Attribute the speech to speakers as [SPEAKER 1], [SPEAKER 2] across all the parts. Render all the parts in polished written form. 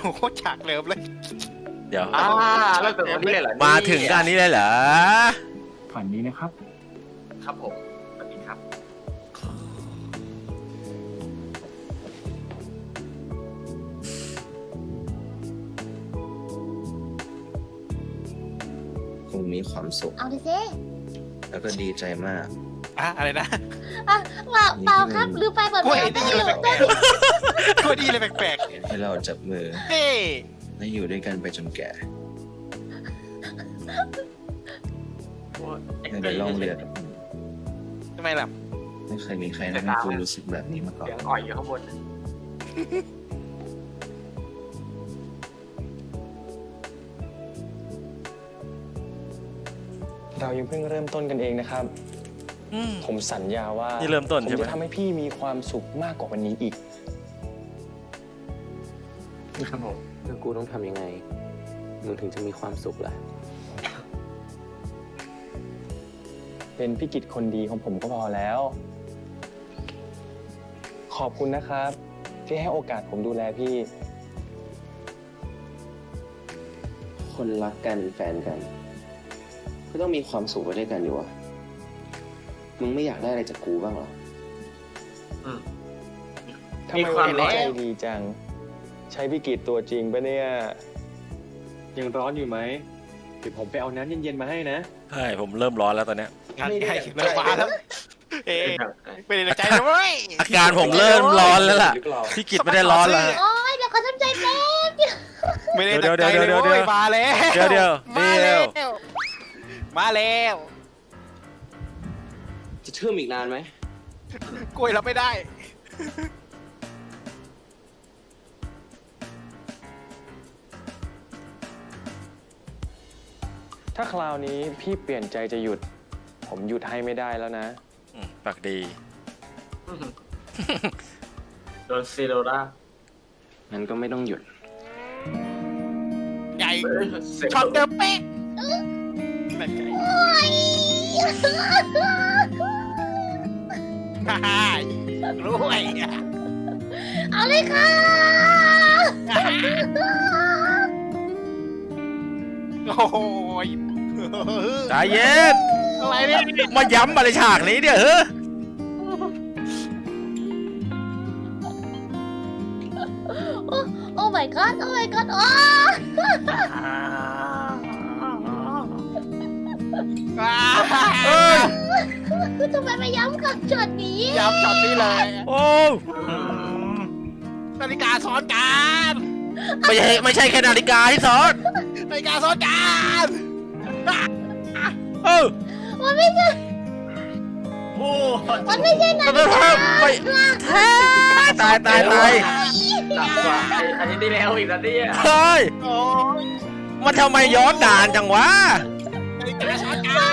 [SPEAKER 1] โอ้โหฉากเริ่มเลย
[SPEAKER 2] เดี๋ยว
[SPEAKER 3] เริ่มจากตรงนี้เลยเหรอ
[SPEAKER 2] มาถึงการนี้เลยเหรอ
[SPEAKER 4] ฝันนี้นะครับ
[SPEAKER 3] ครับผมสวัสดีครับ
[SPEAKER 5] คงมีความสุข
[SPEAKER 6] เอาดิเซ่
[SPEAKER 5] แล้วก็ดีใจมาก
[SPEAKER 1] อะไรนะ
[SPEAKER 6] เปล่าครับลืมไปเปิด
[SPEAKER 1] กล้วย
[SPEAKER 6] แล้
[SPEAKER 1] ได้ยินอะไรแปลกๆกล้วยได้ยินอะไรแปลก
[SPEAKER 5] ให้เราจับมือ
[SPEAKER 1] ๆเฮ้
[SPEAKER 5] และอยู่ด้วยกันไปจนแก่ในล่องเรือกับผม
[SPEAKER 1] ทำไมล่ะ
[SPEAKER 5] ไม่เคยมีใครทำให้กูรู้สึกแบบนี้มาก่อน
[SPEAKER 3] เสียงอ่อยอยู่ข้างบน
[SPEAKER 4] เรายังเพิ่งเริ่มต้นกันเองนะครับ
[SPEAKER 2] อืม
[SPEAKER 4] ผมสัญญาว่า
[SPEAKER 2] นี่เริ่มต้น
[SPEAKER 4] ผม
[SPEAKER 2] ใช่ไหม
[SPEAKER 4] จะทำให้พี่มีความสุขมากกว่าวันนี้อีก
[SPEAKER 3] ครับผม
[SPEAKER 7] แล้วกูต้องทำยังไง มึงถึงจะมีความสุขล่ะ
[SPEAKER 4] เป็นพี่กิจคนดีของผมก็พอแล้ว ขอบคุณนะครับ ที่ให้โอกาสผมดูแลพี่
[SPEAKER 7] คนรักกันแฟนกัน ก็ต้องมีความสุขไปด้วยกันอยู่วะมึงไม่อยากได้อะไรจากกูบ้างเหรอ
[SPEAKER 4] ทำไมวันนี้ใจดีจัง ใช้พี่กิจตัวจริงปะเนี่ย ยังร้อนอยู่ไหมเดี๋ยวผมไปเอาน้ำเย็นๆมาให้นะ
[SPEAKER 2] ใช่ผมเริ่มร้อนแล้วตอนเนี้ย
[SPEAKER 1] งานใหญ่เริ่มมาแล้วเอ๊ไม่ได้ในใจนะเว้ย
[SPEAKER 2] อาการผมเริ่มร้อนแล้วล่ะ
[SPEAKER 4] หรือเปล่า
[SPEAKER 2] พี่กิจไม่ได้ร้อนแล้ว
[SPEAKER 6] โอ้ยเดี๋ยวเขาทำใจแป๊บเดียว
[SPEAKER 1] ไม่ได้ตั้งใจเลย
[SPEAKER 2] เดี๋ยว
[SPEAKER 1] เว้ยมาแล้ว
[SPEAKER 2] เดี๋ยว
[SPEAKER 1] มาแล้วมาแล้ว
[SPEAKER 7] จะเชื่อมอีกนานไหม
[SPEAKER 1] กล้วยรับไม่ได้
[SPEAKER 4] ถ้าคราวนี้พี่เปลี่ยนใจจะหยุด ผมหยุดให้ไม่ได้แล้วนะ
[SPEAKER 2] ปากดี
[SPEAKER 3] โดนซีโรล่า
[SPEAKER 7] งั้นก็ไม่ต้องหยุด
[SPEAKER 1] ใหญ่ช็อตเดิมเป๊ะนั่นไงฮ่าฮ่ารวย
[SPEAKER 6] เอาเลยค่ะ
[SPEAKER 1] โอ้ย
[SPEAKER 2] ใจเย็น
[SPEAKER 1] อะไรเนี่ย
[SPEAKER 2] มาย้ำอะไรฉากนี้เนี่ยเฮ้ย
[SPEAKER 6] โอ้ my god โอ้ my god โอ้
[SPEAKER 2] เอ้ย
[SPEAKER 6] ทำไมไม่ย้ำกับช็อตนี้
[SPEAKER 1] ย้ำช็อตนี้เลย
[SPEAKER 2] โอ้
[SPEAKER 1] นาฬิกาซ้อนกัน
[SPEAKER 2] ไม่ใช่แค่นาฬิกาที่สอน
[SPEAKER 1] นาฬิกาซ้อนกัน
[SPEAKER 2] เออ
[SPEAKER 6] มันไม่ใช่
[SPEAKER 3] โอ้
[SPEAKER 6] มันไม่ใช่นาฬิกา
[SPEAKER 2] ตาย
[SPEAKER 3] หนักกว่าอันนี้ได้แล้วอีกแล้วเนี่ย
[SPEAKER 2] เฮ้ย
[SPEAKER 1] โอ้ย
[SPEAKER 2] มันทำไมย้อนนานจังวะ
[SPEAKER 1] นาฬิกาซ้อนกัน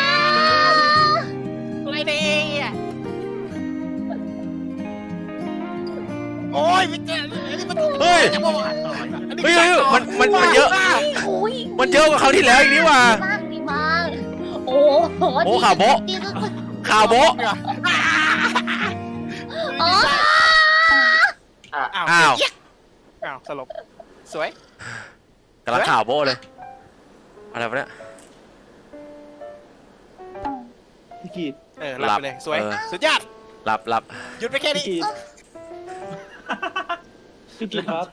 [SPEAKER 1] อะไรเนี่ยโอ้ยไม่เจออันนี้มัน
[SPEAKER 2] เฮ้ย
[SPEAKER 1] จะบอกว่าอันนี้
[SPEAKER 2] เฮ้ยมันเยอะ
[SPEAKER 6] โอ้ย
[SPEAKER 2] มันเยอะกว่าเขาวที่แล้วอีกนี่หว่า
[SPEAKER 6] ดีมากโอ้โห
[SPEAKER 2] โอ้ข่าวโบ๊ะ
[SPEAKER 6] ดีสุด
[SPEAKER 2] ข่าวโบ๊ะ
[SPEAKER 6] ๆอ๋อ
[SPEAKER 1] อ้าว
[SPEAKER 2] อ้าว
[SPEAKER 1] อ้าวสลบสวย
[SPEAKER 2] กำลังข่าวโบ๊ะเลย อะไรวะเนี่ย
[SPEAKER 4] พี่กิจ
[SPEAKER 1] หลับไปเลยสวย
[SPEAKER 2] เออ
[SPEAKER 1] สุดยอด
[SPEAKER 2] หลับ
[SPEAKER 1] หยุดไปแค่นี้
[SPEAKER 4] พี่กิจครับ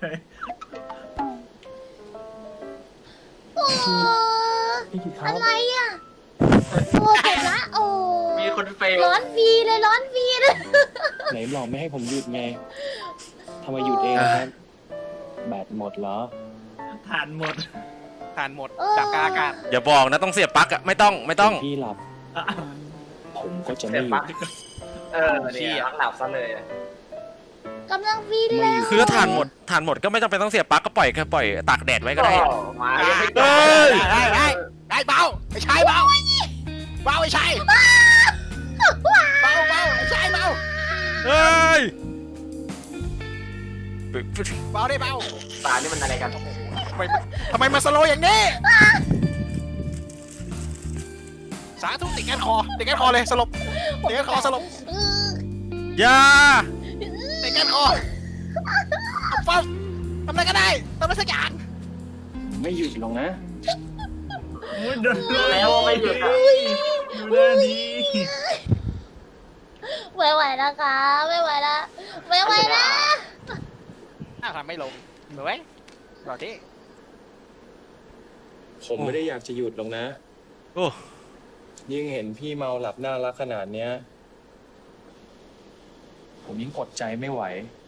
[SPEAKER 6] โอ้
[SPEAKER 4] พี่กิจครั
[SPEAKER 6] อะ
[SPEAKER 4] บ
[SPEAKER 6] ไรอ่ะโอ้เจ็บละโอ้
[SPEAKER 3] มีคนเฟล
[SPEAKER 6] ร้อนวีเลยร้อนวีเลย
[SPEAKER 4] ไหนบอกไม่ให้ผมหยุดไงทำไมหยุดเองครับ แบตหมดเหรอ
[SPEAKER 3] ทานหมด
[SPEAKER 1] ทานหมดดับกลางอากาศ
[SPEAKER 2] อย่าบอกนะต้องเสียบปลั๊กอะไม่ต้อง
[SPEAKER 4] พี่หลับ ผมก็จะไม่หยุด
[SPEAKER 3] เนี่ยหลับซะเลย
[SPEAKER 6] กำลังวีเลย
[SPEAKER 2] คือถ้าทานหมดก็ไม่จำเป็นต้องเสียบปลั๊กก็ปล่อยตากแดดไว้ก็ได้
[SPEAKER 3] มา
[SPEAKER 2] เอ้ย
[SPEAKER 1] ได้เบาไม่ใช่เบาเบาไม่ใช่เบาไม่ใช่เบา
[SPEAKER 2] เฮ้ย
[SPEAKER 1] เบาได้เบา
[SPEAKER 3] ตานี่มันอะไรกัน
[SPEAKER 1] ทำไมมาสโลอย่างนี้สาธุติดแก๊สคอเลยสลบติดแก๊สคอสลบ
[SPEAKER 2] อย่า
[SPEAKER 1] ติดแก๊สคอฟังทำอะไรก็ได้ทำอะไรสักอย่าง
[SPEAKER 4] ไม่หยุดลงนะ
[SPEAKER 3] แล้วไม่หยุดอะ
[SPEAKER 8] ดูหน้านี้
[SPEAKER 6] ไม่ไหวแล้วค่ะไม่ไหวแล้วไม่ไหวแล้ว
[SPEAKER 1] อ้าวทำไม่ลงเหมือนไหมรอที่
[SPEAKER 4] ผมไม่ได้อยากจะหยุดลงนะ
[SPEAKER 2] โอ้
[SPEAKER 4] ยิ่งเห็นพี่เมาหลับน่ารักขนาดเนี้ย ผมยิ่งอดใจไม่ไหว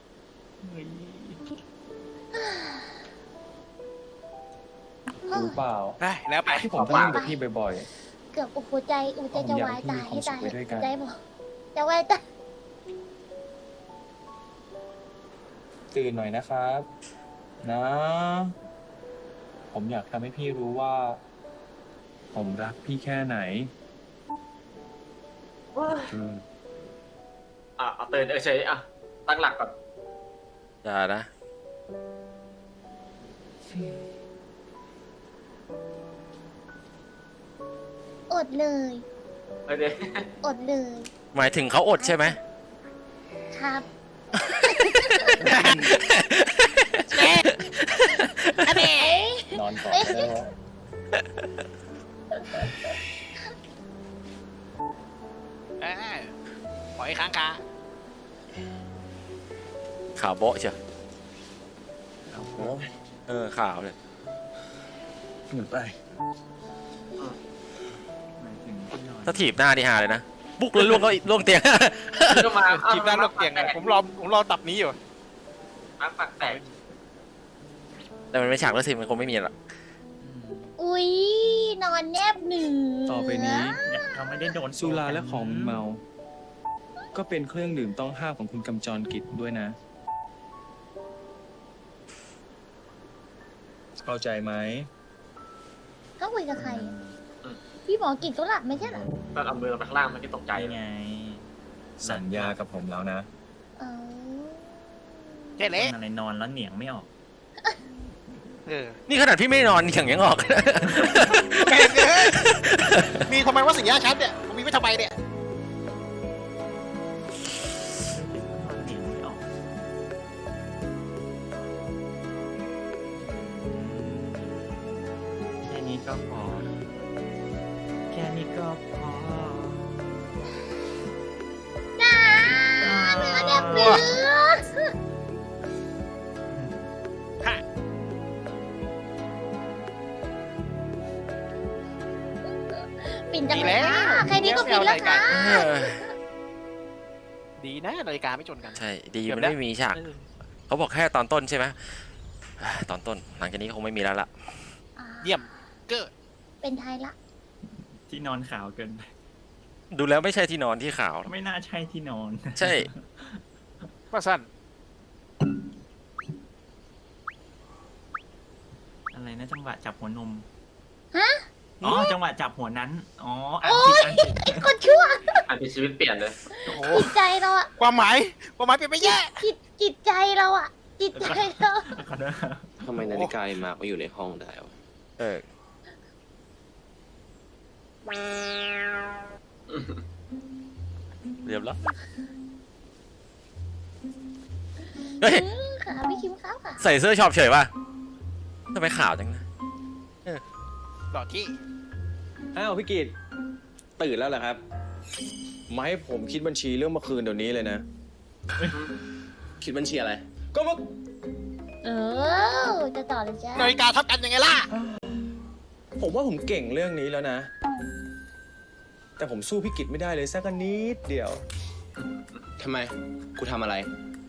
[SPEAKER 4] รู้เปล่า
[SPEAKER 1] ได้แล้วไป
[SPEAKER 4] ที่ผมต้องเล่นกับพี่บ่อย
[SPEAKER 6] เกือบหัวใจจะวายตายให้ตาย
[SPEAKER 4] ผมอยากให้พี่มีความสุขไปด้วยกัน
[SPEAKER 6] ใจบอกจะวายตาย
[SPEAKER 4] ๆ ตื่นหน่อยนะครับ นะ ผมอยากทำให้พี่รู้ว่า ผมรักพี่แค่ไหนอืม
[SPEAKER 3] เอาตื่นเฉยอ่ะตั้งหลักก่อน
[SPEAKER 2] อย่านะ
[SPEAKER 6] อดเลย
[SPEAKER 3] เดี๋ยว
[SPEAKER 6] อดเลย
[SPEAKER 2] หมายถึงเขาอดใช่ไหม
[SPEAKER 6] ครับ
[SPEAKER 1] อันนี้
[SPEAKER 4] นอนก่อนได้ไหม
[SPEAKER 1] ปล่อยค้างคา
[SPEAKER 2] ขาวโบ๊ะเชียวขาวเลย
[SPEAKER 4] หยุดไป
[SPEAKER 2] ถ้าถีบหน้านี่หาเลยนะ บุกเลยล่วงเตียง
[SPEAKER 3] ก็มา
[SPEAKER 1] จีบด้านรถเตียงผมรอตับนี้อยู่
[SPEAKER 3] ปากแตก
[SPEAKER 2] แต่มันไม่ฉากแล้วสิมันคงไม่มีหรอก
[SPEAKER 6] อุ๊ยนอนแนบเหนือ
[SPEAKER 4] ต่อไปนี้
[SPEAKER 8] เราไม่ได้โดน
[SPEAKER 4] สุราและของมึนเมา ก็เป็นเครื่องดื่มต้องห้ามของคุณกำจรกิจด้วยนะ เข้าใจไหม
[SPEAKER 6] เขาคุยกับใครอะพี่หมอกินก็หลับไม่ใช่เหรอ
[SPEAKER 3] ตอนเอามือลงไปข้างล่างมันก็ตกใจ
[SPEAKER 8] ใจ
[SPEAKER 3] ไง
[SPEAKER 8] ไง
[SPEAKER 4] สัญญากับผมแล้วนะ
[SPEAKER 6] เออ
[SPEAKER 1] แค่เละ
[SPEAKER 8] อะไรนอนแล้วเหนียงไม่ออก
[SPEAKER 2] นี่ขนาดพี่ไม่ได้นอนอย่างยังออก
[SPEAKER 1] แม่งเอ้ยมีทำไมว่าสียชัดเนี่ยมีไม่ทำไมเนี่ย
[SPEAKER 8] เหนียงไม่ออกแค่นี้ก็พอ แค่นี้ก็พอ
[SPEAKER 6] น้าเนื้อแนบเหนือปิ่นจังเลยค่ะใครนี้ก็ปิ่นแล้วค่ะ
[SPEAKER 1] ดีนะนาฬิกาไม่ชนกัน
[SPEAKER 2] ใช่ ดีมันไม่มีฉาก เขาบอกแค่ตอนต้นใช่ไหมตอนต้น หลังจากนี้คงไม่มีแล้วล่ะ
[SPEAKER 1] เยี่ยมเกิด
[SPEAKER 6] เป็นไทยละ
[SPEAKER 8] ที่นอนขาวเกินไป
[SPEAKER 2] ดูแล้วไม่ใช่ที่นอนที่ขาว
[SPEAKER 8] ไม่น่าใช่ที่นอน
[SPEAKER 2] ใช่
[SPEAKER 1] ว่าสั้น
[SPEAKER 8] อะไรนะจังหวะจับหัวนม
[SPEAKER 6] ฮะ
[SPEAKER 8] อ๋อจังหวะจับหัวนั้น อ๋ออันผิดอันผิด
[SPEAKER 6] คนชั่ว
[SPEAKER 3] อันเป็นชีวิตเปลี่ยนเลย
[SPEAKER 1] โอ้โห
[SPEAKER 6] จิตใจเราอะ
[SPEAKER 1] ความหมายเป็นไปแย่
[SPEAKER 6] จิตใจเราอะจิตใจเรา
[SPEAKER 8] ขอโทษครับ
[SPEAKER 7] ทำไมนาฬิกามาก็อยู่ในห้องได้วะ
[SPEAKER 2] เรียบร้อยเฮ้ย
[SPEAKER 6] ค่ะพี่คิมครับค่ะ
[SPEAKER 2] ใส่เสื้อช็อปเฉยป่ะทำไมขาวจังนะ
[SPEAKER 1] หลอดที่
[SPEAKER 4] อ้าวพี่กิตตื่นแล้วเหรอครับ มาให้ผมคิดบัญชีเรื่องเมื่อคืนเดี๋ยวนี้เลยนะ
[SPEAKER 7] คิดบัญชีอะไร
[SPEAKER 4] ก็เมื่อ
[SPEAKER 6] จะต่อเลยจ้า
[SPEAKER 1] นาฬิกาทับกันยังไงล่ะ
[SPEAKER 4] ผมว่าผมเก่งเรื่องนี้แล้วนะ แต่ผมสู้พี่กิตไม่ได้เลยสักนิดเดียว
[SPEAKER 7] ทำไม กูทำอะไร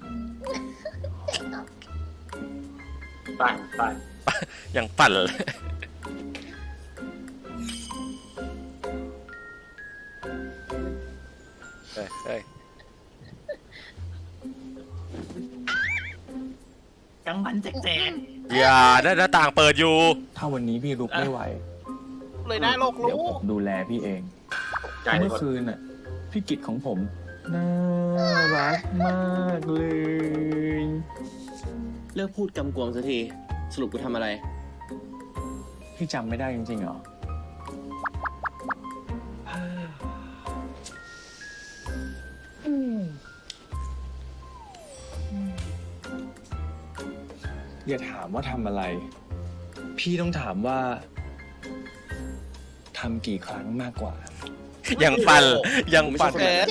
[SPEAKER 3] ไปไป
[SPEAKER 2] ยังปั่นเลย เฮ้ย
[SPEAKER 8] กลางวันแจก
[SPEAKER 2] อย่าได้หน้าต่างเปิดอยู่
[SPEAKER 4] ถ้าวันนี้พี่ลุกไม่ไหว
[SPEAKER 1] เลยนะโลก
[SPEAKER 4] เดี๋ยว
[SPEAKER 1] รู้
[SPEAKER 4] ผมดูแลพี่เอง
[SPEAKER 3] ใจเล
[SPEAKER 4] เมื่
[SPEAKER 3] ย
[SPEAKER 4] อคืนน่ะ พี่กิตของผม น่ารักมากเลย
[SPEAKER 7] เลิกพูดกำกวมสักที สรุปกูทำอะไร
[SPEAKER 4] พี่จำไม่ได้จริงๆเหรออย่าถามว่าทำอะไร พี่ต้องถามว่าทำกี่ครั้งมากกว่า
[SPEAKER 2] ยังปั่นยังปั่น
[SPEAKER 1] เออ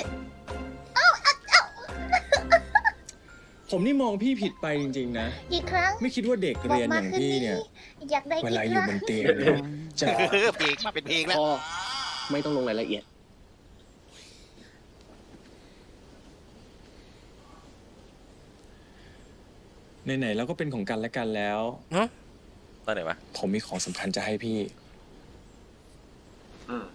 [SPEAKER 4] ผมนี่มองพี่ผิดไปจริงๆนะ
[SPEAKER 6] กี่ครั้ง
[SPEAKER 4] ไม่คิดว่าเด็ก
[SPEAKER 6] บอก
[SPEAKER 4] เรียน
[SPEAKER 6] มา
[SPEAKER 4] อย่าง
[SPEAKER 6] คืน
[SPEAKER 4] พี่
[SPEAKER 6] นี้
[SPEAKER 4] เนี่ย
[SPEAKER 6] อยากได้
[SPEAKER 4] เว
[SPEAKER 6] กี่
[SPEAKER 4] ลา
[SPEAKER 6] ค
[SPEAKER 4] อยู่
[SPEAKER 6] รั้ง
[SPEAKER 4] บนเตียงเนี่ยจะ
[SPEAKER 1] เพลงมาเป็นเพลงแล้ว
[SPEAKER 7] พ่อไม่ต้องลงรายละเอียด
[SPEAKER 4] ไหนๆแล้วก็เป็นของกันและกันแล้ว
[SPEAKER 2] ตอนไหนวะ
[SPEAKER 4] ผมมีของสำคัญจะให้พี่
[SPEAKER 3] อืม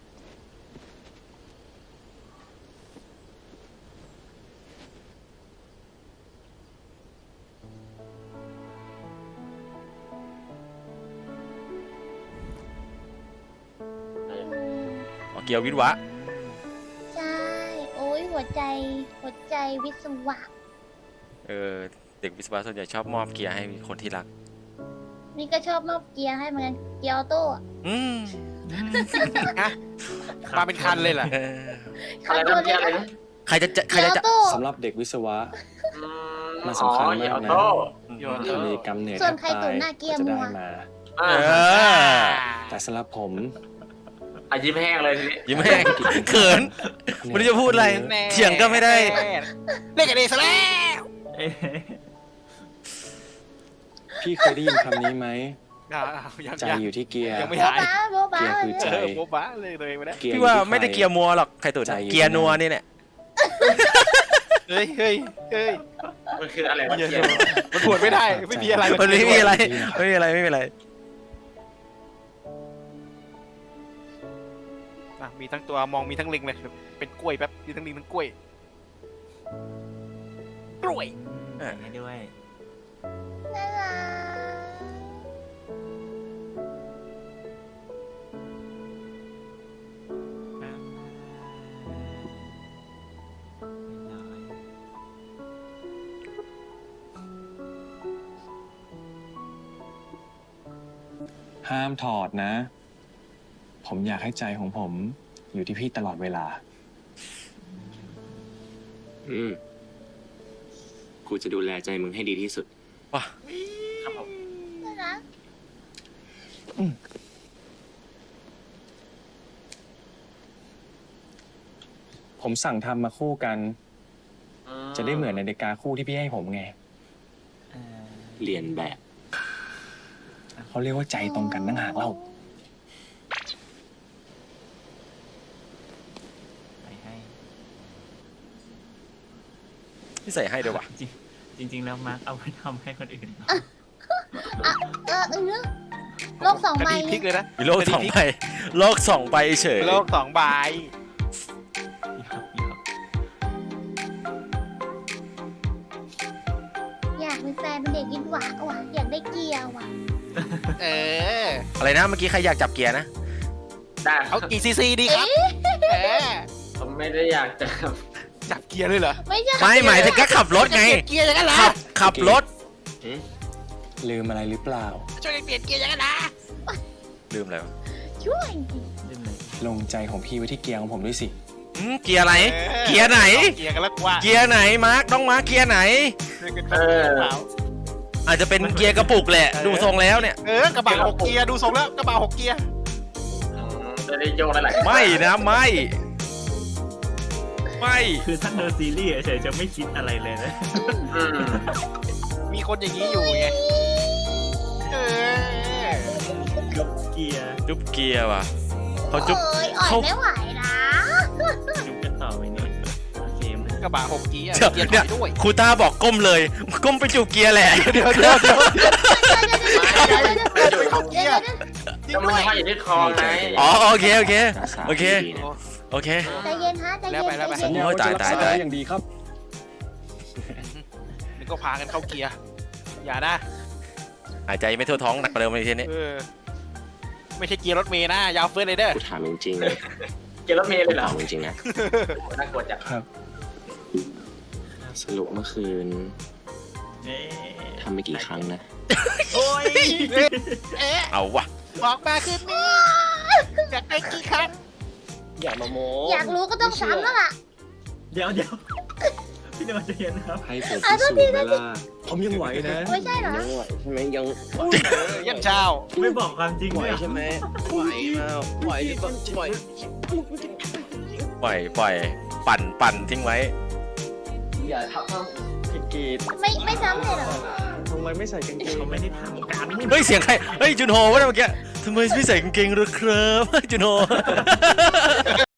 [SPEAKER 2] อ๋อเกียววิทวะ
[SPEAKER 6] ใช่ โอ้ยหัวใจวิศวะ
[SPEAKER 2] เด็กวิศวะส่วนใหญ่ชอบมอบเกียร์ให้คนที่รัก
[SPEAKER 6] นี่ก็ชอบมอบเกียร์ให้เหมือนกันเกียร์ออโต้อะ
[SPEAKER 2] อืม
[SPEAKER 1] ฮะมาเป็นคันเลยเหรอ
[SPEAKER 3] อะไรนะเมื่อกี้อะไรนะ
[SPEAKER 2] ใครจะ
[SPEAKER 6] เกียร์ออโต้
[SPEAKER 4] สำหรับเด็กวิศวะ
[SPEAKER 3] อื
[SPEAKER 4] มันสำคัญมากนะ
[SPEAKER 3] อ๋อ
[SPEAKER 1] โยน
[SPEAKER 3] เออ
[SPEAKER 4] มีกรรมเหนื่อย
[SPEAKER 6] ส่วน
[SPEAKER 4] แทบ
[SPEAKER 6] ใครตุ๋นหน้าเกียร์
[SPEAKER 4] จะ
[SPEAKER 6] มั
[SPEAKER 4] ได้
[SPEAKER 6] ว
[SPEAKER 4] มา
[SPEAKER 3] อ่
[SPEAKER 2] เออ
[SPEAKER 4] แต่สำหรับผม
[SPEAKER 3] อ่ะยิ้มแห้งเลยทีนี้
[SPEAKER 2] ยิ้มแห้งเขินไม่รู้จะพูดอะไร เถียงก็ไม่ได้
[SPEAKER 1] เล่นกันเองซะแล้ว
[SPEAKER 4] พี่เคยได้ยินคำนี้ไหม
[SPEAKER 1] ยัง
[SPEAKER 4] ใจอยู่ที่เกียร์
[SPEAKER 1] ยังไม่
[SPEAKER 6] โบ๊ะ
[SPEAKER 1] หาย
[SPEAKER 6] บ้าโบ๊ะบ้า
[SPEAKER 4] เกียร์คือใจ
[SPEAKER 1] โบ๊ะบ้าเลยตัวเองไปแล้ว
[SPEAKER 4] เกียร์
[SPEAKER 2] พี่ว่า
[SPEAKER 4] อยู่ที่
[SPEAKER 2] ไม่ได้
[SPEAKER 4] ใคร
[SPEAKER 2] เกียร์มัวหรอกใครตุ๋น
[SPEAKER 4] ใจอยู่
[SPEAKER 2] เกียร์นัวนี่แหละ
[SPEAKER 1] เฮ้ยเฮ้ยเฮ้ย
[SPEAKER 3] มันคืออะไรวะ
[SPEAKER 1] เกียร์
[SPEAKER 3] เกียร์
[SPEAKER 1] มันปวดไม่ได้ไม่มีอะไร
[SPEAKER 2] มันไม่มีอะไรไม่มีอะไรไม่มีอะไร
[SPEAKER 1] มีทั้งตัวมองมีทั้งลิงเลยเป็นกล้วยแป๊บมีทั้งลิงทั้งกล้วยกล้วย
[SPEAKER 8] ให้ด้วย
[SPEAKER 6] น่ารัก
[SPEAKER 4] ห้ามถอดนะ ผมอยากให้ใจของผมอยู่ที่พี่ตลอดเวลา
[SPEAKER 7] กูจะดูแลใจมึงให้ดีที่สุด
[SPEAKER 2] ว้า
[SPEAKER 3] ครับผม
[SPEAKER 6] น่ารัก
[SPEAKER 4] ผมสั่งทำมาคู่กัน จะได้เหมือนนาฬิกาคู่ที่พี่ให้ผมไง
[SPEAKER 7] เรียนแบบ
[SPEAKER 4] เขาเรียกว่าใจตรงกันนั่งหากเล่า
[SPEAKER 8] ไปให้
[SPEAKER 2] ที่ใส่ให้เดี๋ยววะ
[SPEAKER 8] จริงๆแล้วมาร์คเอาไปทำให้คนอื่น
[SPEAKER 6] โลกสอง
[SPEAKER 1] ค
[SPEAKER 6] ใบ
[SPEAKER 1] ดีพลิกเลยนะ
[SPEAKER 2] มีโลกสองใบโลกสองใบเฉย
[SPEAKER 1] โลกสองใบ
[SPEAKER 6] อยากมีแฟนเป็นเด็กวิศวะว่ะอยากได้เกียร์ว่ะ
[SPEAKER 1] เออ
[SPEAKER 2] อะไรนะเมื่อกี้ใครอยากจับเกียร์นะ
[SPEAKER 3] ได้ครั
[SPEAKER 1] เอา
[SPEAKER 3] บ
[SPEAKER 1] กี่ซีซีดีครับเออ
[SPEAKER 3] ผมไม่ได้อยากจะ
[SPEAKER 1] จับเกียร์เลยเหรอ
[SPEAKER 6] ไม่ใช่
[SPEAKER 2] ไม่หมายถึงแค่ขับรถไง
[SPEAKER 1] เกียร์อย่างนั้นเหรอ
[SPEAKER 2] ขับรถ
[SPEAKER 4] ลืมอะไรหรือเปล่า
[SPEAKER 1] ช่วยกันเปลี่ยนเกียร์อย่างนั้นนะ
[SPEAKER 2] ลืมแล้ว
[SPEAKER 6] ช่วยดิ
[SPEAKER 8] ลืมเลย
[SPEAKER 4] ลงใจของพี่ไว้ที่เกียร์ของผมด้วยสิ
[SPEAKER 2] เกียร์ไหน เกียร์ไหน
[SPEAKER 1] เกียร์กันแล้วกว่า
[SPEAKER 2] เกียร์ไหนมาร์คน้องมาร์คเกียร์ไหน
[SPEAKER 1] ช่วยกันเปลี่ยนเปล่า
[SPEAKER 2] อาจจะเป็นเกียร์กระปุกแหละ ดูทรงแล้วเนี่ย
[SPEAKER 1] กระบะ6เกียร์ดูทรงแล้วกระบะ6เกียร์
[SPEAKER 3] จะได้โยกหลายๆ
[SPEAKER 2] ไม่นะไม่ ไม่
[SPEAKER 8] คือถ้าเธอซีรีส์เฉยๆจะไม่คิดอะไรเลยนะ
[SPEAKER 3] อืม
[SPEAKER 1] มีคนอย่างนี้อยู่ไงเออ
[SPEAKER 8] จุ๊บเกียร์
[SPEAKER 2] จุ๊บเกียร์ว่ะเขาจุ๊บ
[SPEAKER 6] เอ้ยอ่อ
[SPEAKER 2] เขา
[SPEAKER 6] ยไม่ไหวนะ
[SPEAKER 8] จุ๊บกันต่อไปนี่โอเคมั้ย
[SPEAKER 1] กระบะ6เกียร์
[SPEAKER 2] เดี๋ยว
[SPEAKER 1] เกียร์ถ
[SPEAKER 2] เนี่
[SPEAKER 1] อย ยด้วย
[SPEAKER 2] ครูต้าบอกก้มเลย ก้มไปจูบเกียร์แหละ
[SPEAKER 1] เดี๋ยว
[SPEAKER 3] ไม่อยู่
[SPEAKER 1] 6เกียร์จริง
[SPEAKER 3] ก็มัน
[SPEAKER 1] ด้วย
[SPEAKER 3] ห้อยอยู่ที่คอไง
[SPEAKER 2] อ๋อโอเคโอเค
[SPEAKER 5] รักษา
[SPEAKER 2] โอเค
[SPEAKER 5] ดีๆนะ
[SPEAKER 2] โอเค
[SPEAKER 6] ใจเย็นฮะใจเย็น
[SPEAKER 1] แล้วไป
[SPEAKER 6] ใจเย็น
[SPEAKER 2] โอ้ยตายตายตาย
[SPEAKER 4] อย่างดีครับ
[SPEAKER 1] นี่ก็พากันเข้าเกียร์อย่านะ
[SPEAKER 2] หายใจไม่ทั่วท้องหนักกว่าเดิมเลยทีนี้
[SPEAKER 1] ไม่ใช่เกียร์รถเมย์นะยาวเฟิร์สเลยเด้อ
[SPEAKER 7] กูถามจริง
[SPEAKER 3] เกียร์รถเมล์เลยเหรอ
[SPEAKER 7] ถามจริงๆนะ
[SPEAKER 3] น่ากลัวจัง
[SPEAKER 4] ครับ
[SPEAKER 7] สรุปเมื่อคืน
[SPEAKER 8] เอ๊ะ
[SPEAKER 7] ทำไปกี่ครั้งนะ
[SPEAKER 8] โอ้ย
[SPEAKER 1] เอ๊ะ
[SPEAKER 2] เอาวะ
[SPEAKER 1] บอกมาคืนนี้อยากได้กี่ครั้ง
[SPEAKER 7] อย่ามาโม้
[SPEAKER 6] อยากรู้ก็ต้องซ้ำแล้วล่ะ
[SPEAKER 8] เดี๋ยวพี่โดนใจเย็นนะครับ
[SPEAKER 5] ให้ผมพิสูจน์ไหมล่ะ
[SPEAKER 9] ผมยังไหวนะ
[SPEAKER 6] ไม่ใช่เหรอ
[SPEAKER 7] ยังไหวใช่ไหมยัง
[SPEAKER 1] ยันเช้า
[SPEAKER 8] ไม่บอกความจริง
[SPEAKER 7] ไหว
[SPEAKER 8] ด้วย
[SPEAKER 7] ใช่ไหมไหวมาไหวหรือเปล่าไหว
[SPEAKER 2] ปล่อยปั่นทิ้งไว้
[SPEAKER 7] อย่าทับเขาผิดกีด
[SPEAKER 6] ไม่ซ้ำเลยเหรอ
[SPEAKER 7] ทำไมไม่ใส่กางเกง
[SPEAKER 8] เขาไม่ได้ทำกัน
[SPEAKER 2] เฮ้ยเสียงใครเฮ้ยจุนโฮวะเนี่ยเมื่อกี้ทำไมไม่ใส่กางเกงหรอครับจุนโฮ